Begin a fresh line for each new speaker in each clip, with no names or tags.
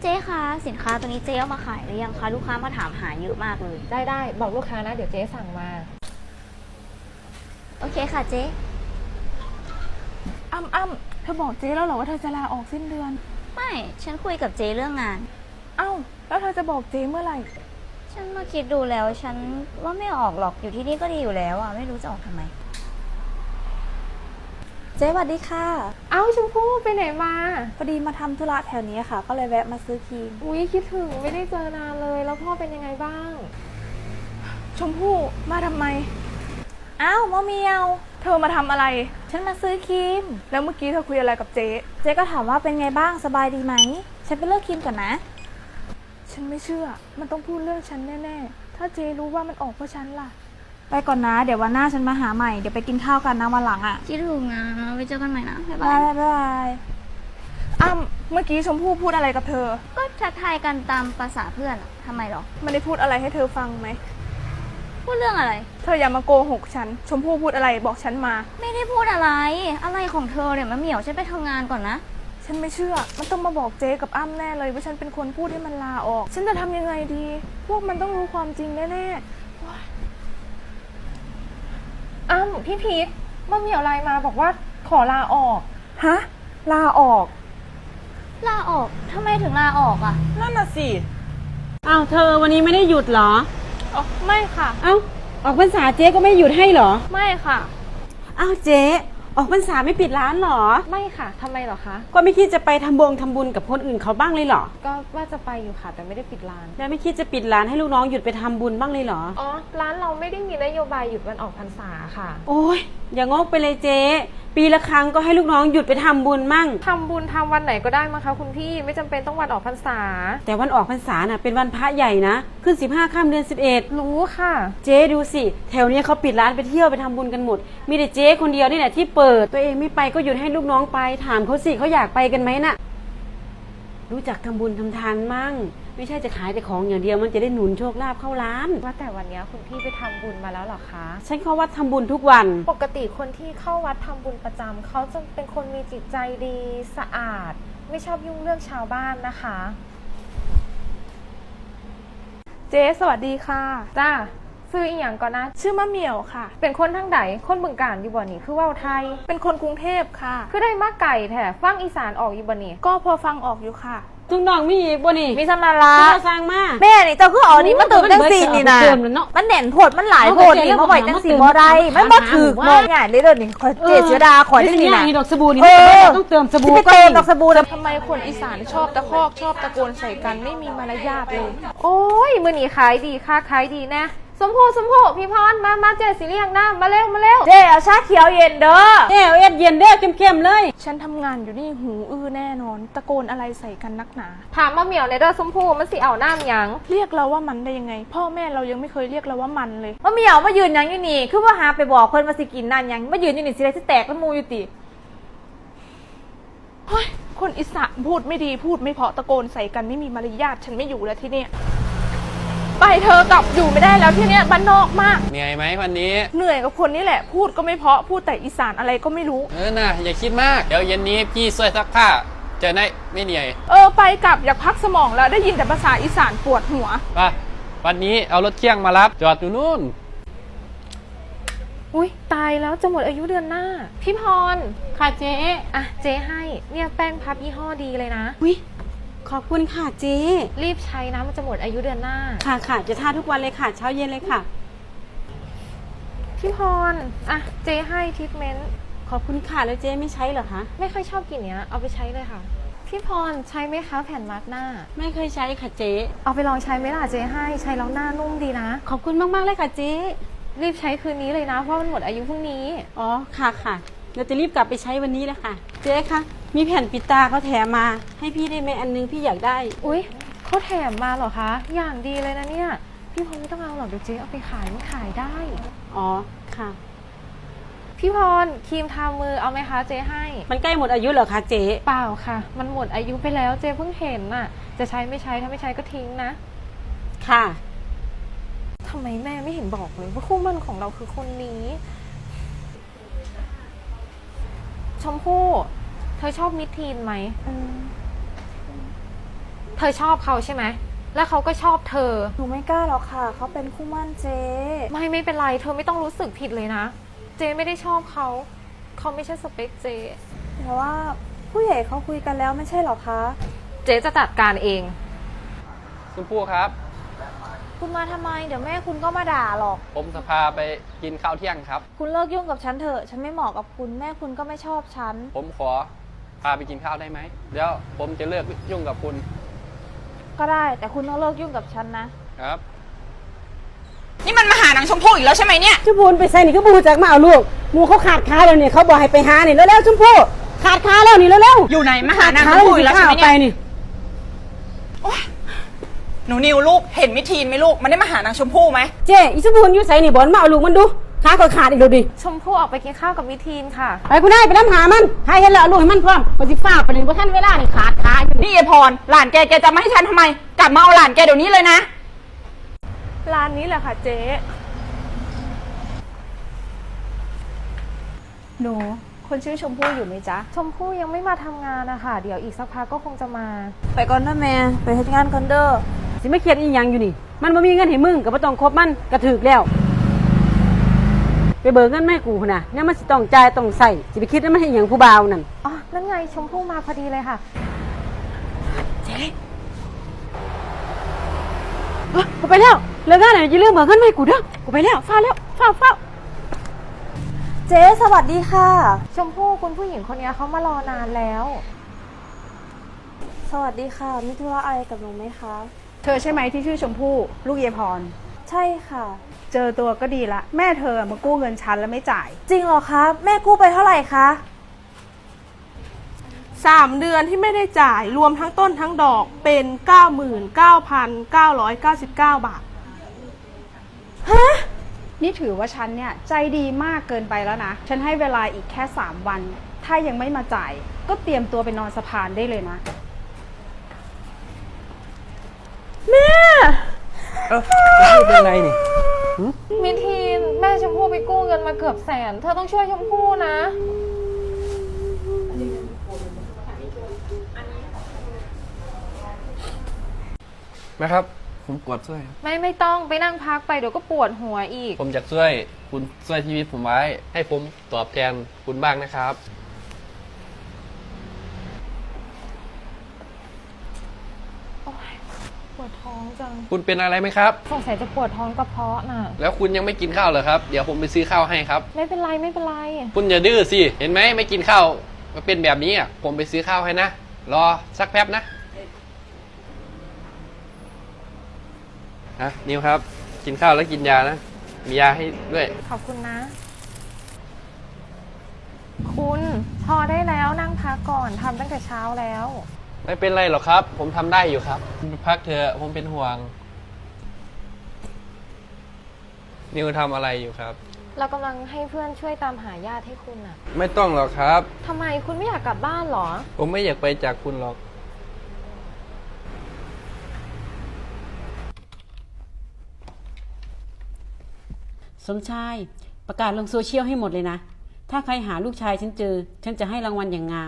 เจ๊คะสินค้าตัวนี้เจ๊เอามาขายหรือยังคะลูกค้ามาถามหาเยอะมากเลย
ได้บอกลูกค้านะเดี๋ยวเจ๊สั่งมา
โอเคค่ะเจ๊
อ้ำเธอบอกเจ๊แล้วเหรอว่าเธอจะลาออกสิ้นเดือน
ไม่ฉันคุยกับเจ๊เรื่องงาน
แล้วเธอจะบอกเจ๊เมื่อไหร่
ฉันมาคิดดูแล้วฉันว่าไม่ออกหรอกอยู่ที่นี่ก็ดีอยู่แล้วอ่ะไม่รู้จะออกทำไมเจ๊สวัสดีค่ะ
ชมพู่ไปไหนมา
พอดีมาทำธุระแถวนี้ค่ะก็เลยแวะมาซื้อครีม
อุ๊ยคิดถึงไม่ได้เจอนานเลยแล้วพ่อเป็นยังไงบ้าง
ชมพู่มาทำไม
มะเมียว
เธอมาทำอะไร
ฉันมาซื้อครีม
แล้วเมื่อกี้เธอคุยอะไรกับเจ๊
ก็ถามว่าเป็นไงบ้างสบายดีไหมฉันไปเลือกครีมก่อนนะ
ฉันไม่เชื่อมันต้องพูดเรื่องฉันแน่ๆถ้าเจ๊รู้ว่ามันออกเพราะฉันล่ะ
ไปก่อนนะเดี๋ยววันหน้าฉันมาหาใหม่เดี๋ยวไปกินข้าวกันนะวันหลังอ่ะคิดถึงนะไปเจอกันใหม่นะบ๊ายบาย
เมื่อกี้ชมพู่พูดอะไรกับเธอ
ก็ทักทายกันตามภาษาเพื่อนทำไมหรอ
มันได้พูดอะไรให้เธอฟังไหม
พูดเรื่องอะไร
เธออย่ามาโกหกฉันชมพู่พูดอะไรบอกฉันมา
ไม่ได้พูดอะไรของเธอเนี่ยมะเหมียวฉันไปทำงานก่อนนะ
ฉันไม่เชื่อมันต้องมาบอกเจ๊กับแน่เลยว่าฉันเป็นคนพูดให้มันลาออกฉันจะทำยังไงดีพวกมันต้องรู้ความจริงแน่
พี่พีทมะเหมียวไลน์มาบอกว่าขอลาออก
ฮะลาออก
ทำไมถึงลาออกอ่ะ
นั่นน่ะสิ
เธอวันนี้ไม่ได้หยุดเหรอ
ไม่ค่ะ
ออกพรรษาเจ๊ก็ไม่หยุดให้เหรอ
ไม่ค่ะ
เจ๊ออกพรรษาไม่ปิดร้านเหรอ
ไม่ค่ะทำไมเหรอคะ
ก็ไม่คิดจะไปทำบุญกับคนอื่นเขาบ้างเลยเหรอ
ก็ว่าจะไปอยู่ค่ะแต่ไม่ได้ปิดร้าน
แล้วไม่คิดจะปิดร้านให้ลูกน้องหยุดไปทำบุญบ้างเลยเหรอ
ร้านเราไม่ได้มีนโยบายหยุดวันออกพรรษาค่ะ
โอ้ยอย่างงกไปเลยเจ๊ปีละครั้งก็ให้ลูกน้องหยุดไปทำบุญมั่ง
ทำบุญทำวันไหนก็ได้มั้งคะคุณพี่ไม่จำเป็นต้องวันออกพรรษา
แต่วันออกพรรษาน่ะเป็นวันพระใหญ่นะขึ้น15ค่ำเดือน11
รู้ค่ะ
เจ๊ดูสิแถวนี้เขาปิดร้านไปเที่ยวไปทำบุญกันหมดมีแต่เจ๊คนเดียวนี่แหละที่เปิดตัวเองไม่ไปก็หยุดให้ลูกน้องไปถามเขาสิเขาอยากไปกันไหมน่ะรู้จักทำบุญทำทานมั่งไม่ใช่จะขายแต่ของอย่างเดียวมันจะได้หนุนโชคลาภเข้าร้าน
ว่าแต่วันนี้คุณพี่ไปทำบุญมาแล้วหรอคะ
ฉันเข้าวัดทำบุญทุกวัน
ปกติคนที่เข้าวัดทำบุญประจำเขาจะเป็นคนมีจิตใจดีสะอาดไม่ชอบยุ่งเรื่องชาวบ้านนะคะ
เจ๊สวัสดีค่ะ
จ้าซื้ออีกอย่างก่อนนะ
ชื่อมะเหมี่ยวค่ะ
เป็นคนทางไหนคนบึงกาฬอยู่บ่นี่คือว่าไทย
เป็นคนกรุงเทพค่ะ
คือได้มาไก่แท้ฟังอีสานออกอยู่บ่นี่
ก็พอฟังออกอยู่ค่ะ
ทุกน้องมีอีกบ่นี่
มีสำนาระ
ที่เราสร้างมา
แม่นี่เจ้าคืออ๋อนี่มาเติมจังซีนี่นะมันแหน่นโพดมันหลายโพดนี่มาไว้จังซีบ่ได้มันบ่ถือน้องง่ายเลยเด้อนี่ขอเจ๊เสียดาขอจังนี่นะ
ดอกสบู่นี่ต้องเติมสบู่
ก็เติมดอกสบู่แล้ว
ทำไมคนอีสานชอบตะคอกชอบตะโกนใส่กันไม่มีมารยาทเลย
โอ้ยมื้อนี้ขายดีค่ะขายดีนะสมโพพี่พรมาเจ๊สิเลี้ยงน้ำมาเร็ว
เจ๊เอาชาเขียวเย็นเด้อ
เจ๊เอาเย็นเด้อเข้มๆเลย
ฉันทำงานอยู่นี่หูแน่นอนตะโกนอะไรใส่กันนักหนา
ถามมาเหมียวในเด้อสมโพมันสิเอาน้ำยัง
เรียกเราว่ามันได้ยังไงพ่อแม่เรายังไม่เคยเรียกเราว่ามันเลย
มาเหมียวมายืนยังอยู่นี่คือว่าหาไปบอกคนมาสิกินนั่นยังมายืนอยู่นี่สิได้สิแตกแล้วมูอยู่ติ
เฮ้ยคนอีสานพูดไม่ดีพูดไม่เพาะตะโกนใส่กันไม่มีมารยาทฉันไม่อยู่แล้วที่เนี่ยไปเธอกลับอยู่ไม่ได้แล้วที่เนี้ยบ้านนอกมาก
เหนื่อยไหมวันนี้
เหนื่อยกับคนนี้แหละพูดก็ไม่เพาะพูดแต่อีสานอะไรก็ไม่รู้
น่ะอย่าคิดมากเดี๋ยวเย็นนี้พี่ช่วยซักผ้าจะได้ไม่เหนื่อย
ไปกลับอยากพักสมองแล้วได้ยินแต่ภาษาอีสานปวดหัว
ป่ะวันนี้เอารถเคี่ยงมารับจอดอยู่นู่น
อุ๊ยตายแล้วจะหมดอายุเดือนหน้าพี่พร
ค่ะเจ๊
เจ๊ให้เนี่ยแป้งพับยี่ห้อดีเลยนะ
ขอบคุณค่ะเจ๊
รีบใช้นะมันจะหมดอายุเดือนหน้า
ค่ะจะทาทุกวันเลยค่ะเช้าเย็นเลยค่ะ
พี่พรเจ๊ให้ทรีทเมนต์
ขอบคุณค่ะแล้วเจ๊ไม่ใช้เหรอคะ
ไม่ค่อยชอบกลิ่นเนี้ยเอาไปใช้เลยค่ะพี่พรใช้ไหมคะแผ่นมาร์กหน้า
ไม่เคยใช้ค่ะเจ๊
เอาไปลองใช้ไหมล่ะเจ๊ให้ใช้แล้วหน้านุ่มดีนะ
ขอบคุณมากๆเลยค่ะเจ๊
รีบใช้คืนนี้เลยนะเพราะมันหมดอายุพรุ่งนี้
ค่ะเราจะรีบกลับไปใช้วันนี้แล้วค่ะเจ๊คะมีแผ่นปิดตาเขาแถมมาให้พี่ได้ไหมอันนึงพี่อยากได้
อุ๊ยเขาแถมมาเหรอคะอย่างดีเลยนะเนี่ยพี่พรไม่ต้องเอาหรอกเดี๋ยวเจ๊เอาไปขายมันขายได้
ค่ะ
พี่พรครีมทามือเอาไหมคะเจ๊ให้
มันใกล้หมดอายุเหรอคะเจ๊
เปล่าค่ะมันหมดอายุไปแล้วเจ๊เพิ่งเห็นน่ะจะใช้ไม่ใช้ถ้าไม่ใช้ก็ทิ้งนะ
ค่ะ
ทำไมแม่ไม่เห็นบอกเลยว่าคู่มั่นของเราคือคนนี้ชมพู่เธอชอบมิทีนไหมเธอชอบเขาใช่ไหมแล้วเขาก็ชอบเธอ
หนูไม่กล้าหรอกค่ะเขาเป็นคู่หมั่นเจ๊
ไม่เป็นไรเธอไม่ต้องรู้สึกผิดเลยนะ เจไม่ได้ชอบเขาไม่ใช่สเปคเจ
แต่ว่าผู้ใหญ่เขาคุยกันแล้วไม่ใช่หรอคะ
เจจะจัดการเอง
ชมพู่ครับ
คุณมาทำไมเดี๋ยวแม่คุณก็มาด่าหรอก
ผมจะพาไปกินข้าวเที่ยงครับ
คุณเลิกยุ่งกับฉันเถอะฉันไม่เหมาะกับคุณแม่คุณก็ไม่ชอบฉัน
ผมขอพาไปกินข้าวได้ไหมเดี๋ยวผมจะเลิกยุ่งกับคุณ
ก็ได้แต่คุณต้องเลิกยุ่งกับฉันนะ
ครับ
นี่มันมาหานางชมพู่อีกแล้วใช่ไหมเนี่ย
ชมพูไปใส่นี่ก็บูจากมาเอาลูกหมูเขาขาดขาแล้วนี่เขาบอกให้ไปหานี่แล้วชมพู่ขาดขาแล้วนี่แล้ว
อยู่ไหนมาหานาง
ขา
ชมพู่อีกแล้วใช่ไหม
ไป
เนี่ย
นี่
หนูนิวลูกเห็นมิทีนไหมลูกมันได้มาหานางชมพู่ไหม
เจ๊อีชมพูอยู่ใส่นี่บอลมาเอาลูกมันดูขาก็ขาดอีกแล้วดิ
ชมพู่ออกไปกินข้าวกับมิทีนค่ะ
ไปคุณนายไปน้ำหามันให้เห็นแล้วเอาลูกให้มันพร้อมปฏิฟ้าไปเลยว่าท่านเวลานี่ขาดขาอยู่
นี่ยายพรหลานแกจะมาให้ฉันทำไม กลับมาเอาหลานแกเดี๋ยวนี้เลยนะ
ร้านนี้แหละค่ะเจ๊
หนูคนชื่อชมพู่อยู่ไหมจ๊ะ
ชมพู่ยังไม่มาทำงานนะคะเดี๋ยวอีกสักพักก็คงจะมา
ไปก่อนนะแม่ไปทำงานก่อนเด้อ
สิไม่เครียดอีหยังอยู่นี่มันบ่มีเงินให้มึงก็บ่ต้องคบมันกระถึกแล้ว ไปเบิกเงินแม่กูพุ่นน่ะเนี่ยมันสิต้องจ่ายต้องใส่สิไปคิดว่ามันให้หยังผู้บ่าวนั่น
อ๋อ นั่นไงชมพู่มาพอดีเลยค่ะ
กูไปแล้วเลิกงานแล้วอย่าลืมเบิกเงินแม่กูเด้อกูไปแล้วฟ้าแล้วฟ้า
เจ๊สวัสดีค่ะ
ชมพู่คุณผู้หญิงคนนี้เขามารอนานแล้ว
สวัสดีค่ะมีธุระอะไรกับหนูไหมคะ
เธอใช่ไหมที่ชื่อชมพู่ลูกเยายพร
ใช่ค่ะ
เจอตัวก็ดีละ แม่เธอมากู้เงินฉันแล้วไม่จ่าย
จริงเหรอคะแม่กู้ไปเท่าไหร่คะ
3 เดือนที่ไม่ได้จ่ายรวมทั้งต้นทั้งดอกเป็น 99,999 บาท
นี่ถือว่าฉันเนี่ยใจดีมากเกินไปแล้วนะ ฉันให้เวลาอีกแค่3 วัน ถ้ายังไม่มาจ่าย ก็เตรียมตัวไปนอนสะพานได้เลยนะ
เป็นไรนี่
มิทีนแม่ชมพู่ไปกู้เงินมาเกือบแสน เธอต้องช่วยชมพู่นะ
นะครับ ผมปวดช่วย
ไม่ต้องไปนั่งพักไปเดี๋ยวก็ปวดหัวอีก
ผมอยากช่วยคุณช่วยชีวิตผมไว้ ให้ผมตอบแทนคุณบ้างนะครับ
ปวดท้องจัง
คุณเป็นอะไรไหมครับ
สงสัยจะปวดท้องกระเพาะน่ะ
แล้วคุณยังไม่กินข้าวเหรอครับ เดี๋ยวผมไปซื้อข้าวให้ครับ
ไม่เป็นไร
คุณอย่าดื้อสิ เห็นไหมไม่กินข้าวมาเป็นแบบนี้อ่ะ ผมไปซื้อข้าวให้นะ รอสักแป๊บนะนิวครับ กินข้าวแล้วกินยานะ มียาให้ด้วย
ขอบคุณนะ คุณพอได้แล้วนั่งพักก่อนทำตั้งแต่เช้าแล้ว
ไม่เป็นไรหรอกครับ ผมทำได้อยู่ครับคุณไปพักเถอะผมเป็นห่วง นิวทำอะไรอยู่ครับ
เรากำลังให้เพื่อนช่วยตามหาญาติให้คุณน่ะ
ไม่ต้องหรอกครับ
ทำไมคุณไม่อยากกลับบ้านเหรอ
ผมไม่อยากไปจากคุณหรอก
สมชายประกาศลงโซเชียลให้หมดเลยนะถ้าใครหาลูกชายฉันเจอฉันจะให้รางวัลอย่างงาม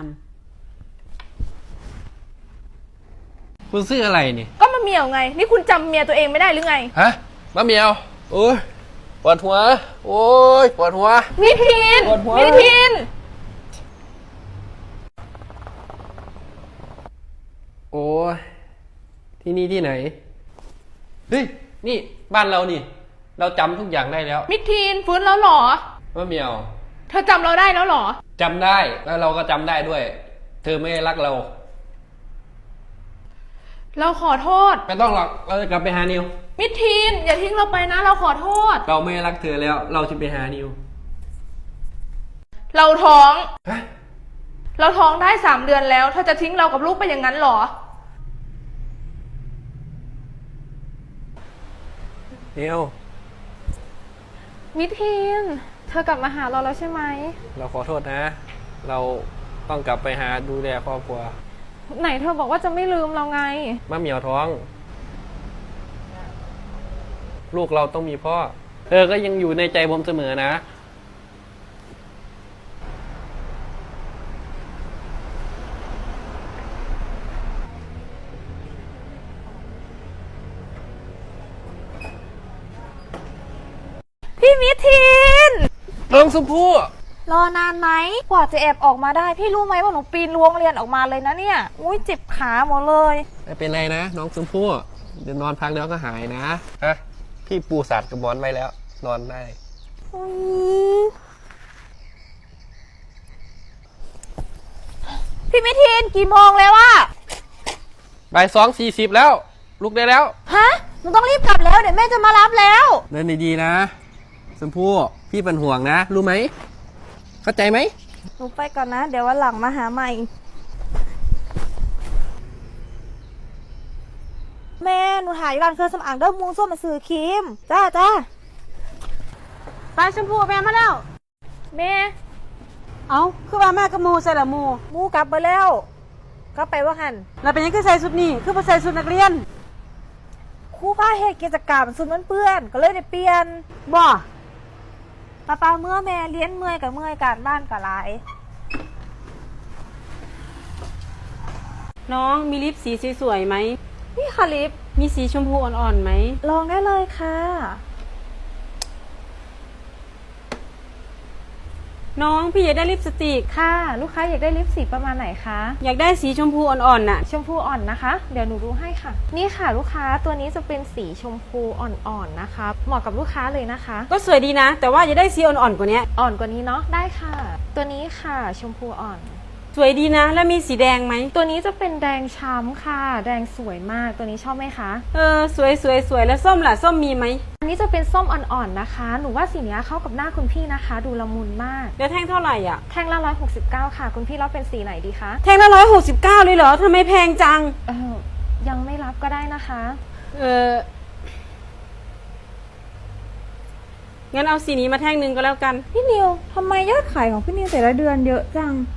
คุณซื้ออะไรนี่
ก็มาเมียวไง นี่คุณจำเมียตัวเองไม่ได้หรือไง
ฮะมะเหมียว โอ้ยปวดหัว โอ้ยปวดหัว
มิทีน
ปวดหัว
มิทีน
โอ้ยที่นี่ที่ไหน เฮ้ย นี่บ้านเรานี่ เราจำทุกอย่างได้แล้ว
มิทีนฟื้นแล้วเหรอ
มะเหมียว
เธอจำเราได้แล้วเหรอ
จำได้แล้วเราก็จำได้ด้วย เธอไม่รักเรา
เราขอโทษ
ไม่ต้องหรอกเราจะกลับไปหานิว
มิทีนอย่าทิ้งเราไปนะ เราขอโทษ
เราไม่รักเธอแล้ว เราจะไปหานิว
เราท้อง
ฮะ
เราท้องได้3 เดือนแล้ว เธอจะทิ้งเรากับลูกไปอย่างนั้นเหรอ
นิว
มิทีนเธอกลับมาหาเราแล้วใช่ไหม
เราขอโทษนะ เราต้องกลับไปหาดูแลครอบครัว
ไหนเธอบอกว่าจะไม่ลืมเราไง
มะเหมียวท้อง ลูกเราต้องมีพ่อ เธอก็ยังอยู่ในใจผมเสมอนะน้องชมพู่
รอนานไหมกว่าจะแอบออกมาได้ พี่รู้ไหมว่าหนูปีนรั้วโรงเรียนออกมาเลยนะเนี่ยอุ้ยเจ็บขาหมดเลย
ไม่เป็นไรนะน้องชมพู่เดี๋ยวนอนพักแล้วก็หายนะฮะพี่ปูสัตว์กับหมอนไว้แล้ว นอนได้
พี่มิทินกี่โมงแล้วอะ
บ่าย2:40แล้ว ลุกได้แล้ว
ฮะหนูต้องรีบกลับแล้วเดี๋ยวแม่จะมารับแล้ว
เดินดีๆนะชมพู่พี่เป็นห่วงนะ รู้ไหมเข้าใจไหม
หนูไปก่อนนะ เดี๋ยววันหลังมาหาใหม่ แม่หนูหาอยู่ร้านเครื่องสำอางเด้อมูส้มมาซื้อครีมจ้าไปชมพูแม่มาแล้ว
แม่
เอาคือว่าแม่กับหมูใส่ละหมู
มูกลับไปแล้วก็ไปว่าหัน
เราเป็นยังคือใส่ชุดนี้คือบ่ใส่ชุดนักเรียน
ครู่ผ้าเหตุกิจกรรมสุดมันเปื้อนก็เลยได้เปลี่ยน
บ่
ป้าเมื่อแม่เลี้ยนเมื่อยกับเมื่อยการบ้านกับหลาย
น้องมีลิปสีสวยๆไหม
นี่ค่ะลิป
มีสีชมพูอ่อนๆไหม
ลองได้เลยค่ะ
น้องพี่อยากได้ลิปสติก
ค่ะ ลูกค้าอยากได้ลิปสีประมาณไหนคะ
อยากได้สีชมพูอ่อนๆน่ะ
ชมพูอ่อนนะคะ เดี๋ยวหนูดูให้ค่ะ นี่ค่ะลูกค้าตัวนี้จะเป็นสีชมพูอ่อนๆนะคะ เหมาะกับลูกค้าเลยนะคะ
ก็สวยดีนะ แต่ว่าอยากได้สีอ่อนๆกว่านี้
อ่อนกว่านี้เนาะได้ค่ะ ตัวนี้ค่ะชมพูอ่อน
สวยดีนะ แล้วมีสีแดงไหม
ตัวนี้จะเป็นแดงช้ำค่ะ แดงสวยมากตัวนี้ชอบไหมคะ
สวยแล้วส้มล่ะส้มมีไหม
อันนี้จะเป็นส้มอ่อนๆนะคะ หนูว่าสีนี้เข้ากับหน้าคุณพี่นะคะ ดูละมุนมาก
แล้วแท่งเท่าไหร่อ่ะ
แท่งละ169ค่ะ คุณพี่รับเป็นสีไหนดีคะ
แท่งละ169เลยเหรอทำไมแพงจัง
ยังไม่รับก็ได้นะคะ
งั้นเอาสีนี้มาแท่งหนึ่งก็แล้วกัน
พี่นิวทำไมยอดขายของพี่นิวแต่ละเดือนเยอะจัง